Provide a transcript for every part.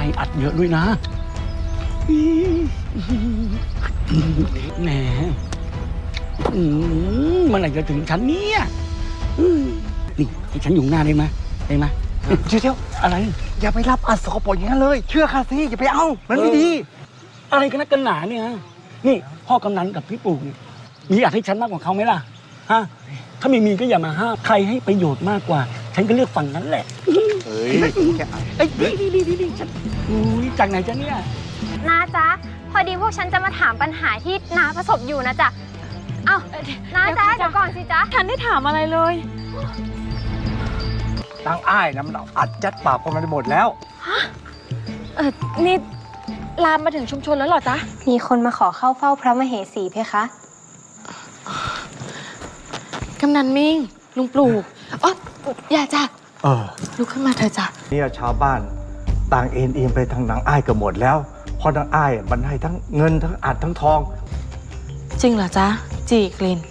อัดเยอะด้วยนะแหมเมื่อไหร่จะถึงฉันเนี่ยนี่ให้ฉันอยู่หน้าได้ไหมได้ไหมเดี๋ยวอะไรอย่าไปรับอัดสกปรกอย่างนั้นเลยเชื่อข้าสิอย่าไปเอามันไม่ดีอะไรกันนักกันหนาเนี่ยนี่พ่อกำนันกับพี่ปู่เนี่ยมีอยากให้ฉันมากกว่าเขาไหมล่ะฮะถ้าไม่มีก็อย่ามาห้ามใครให้ประโยชน์มากกว่า ฉันก็เลือกฝั่งนั้นแหละเฮ้ยแค่ดีฉันอุ้ยจากไหนจ๊ะเนี่ยน้าจ๊ะพอดีพวกฉันจะมาถามปัญหาที่น้าประสบอยู่นะจ๊ะเอ้าน้าจ๊ะเดี๋ยวก่อนสิจ๊ะฉันได้ถามอะไรเลยตั้งอ้ายนะมันเอาอัดยัดปากคนมันไปหมดแล้วนี่ลามมาถึงชุมชนแล้วเหรอจ๊ะมีคนมาขอเข้าเฝ้าพระมเหสีเพคะกำนันมิ่งลุงปลูกอ๋ออย่าจ้ะลุกขึ้นมาเถอะจ้ะเนี่ยชาวบ้านต่างเอ็นไปทางนางอ้ายกันหมดแล้วเพราะนางอ้ายมันให้ทั้งเงินทั้งอัดทั้งทองจริงเหรอจ๊ะจีกลิน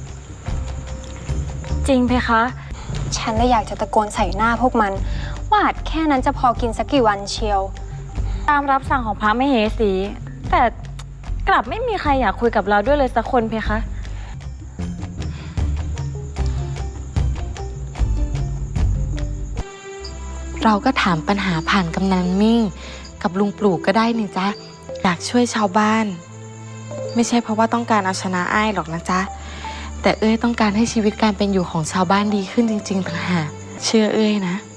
จริงเพคะฉันเลยอยากจะตะโกนใส่หน้าพวกมันว่าอัดแค่นั้นจะพอกินสักกี่วันเชียวตามรับสั่งของพระมเหสีแต่กลับไม่มีใครอยากคุยกับเราด้วยเลยสักคนเพคะเราก็ถามปัญหาผ่านกำนันมิ่งกับลุงปลูกก็ได้นี่จ๊ะอยากช่วยชาวบ้านไม่ใช่เพราะว่าต้องการเอาชนะอ้ายหรอกนะจ๊ะแต่เอ้ยต้องการให้ชีวิตการเป็นอยู่ของชาวบ้านดีขึ้นจริงๆต่างหากเชื่อเอ้ยนะ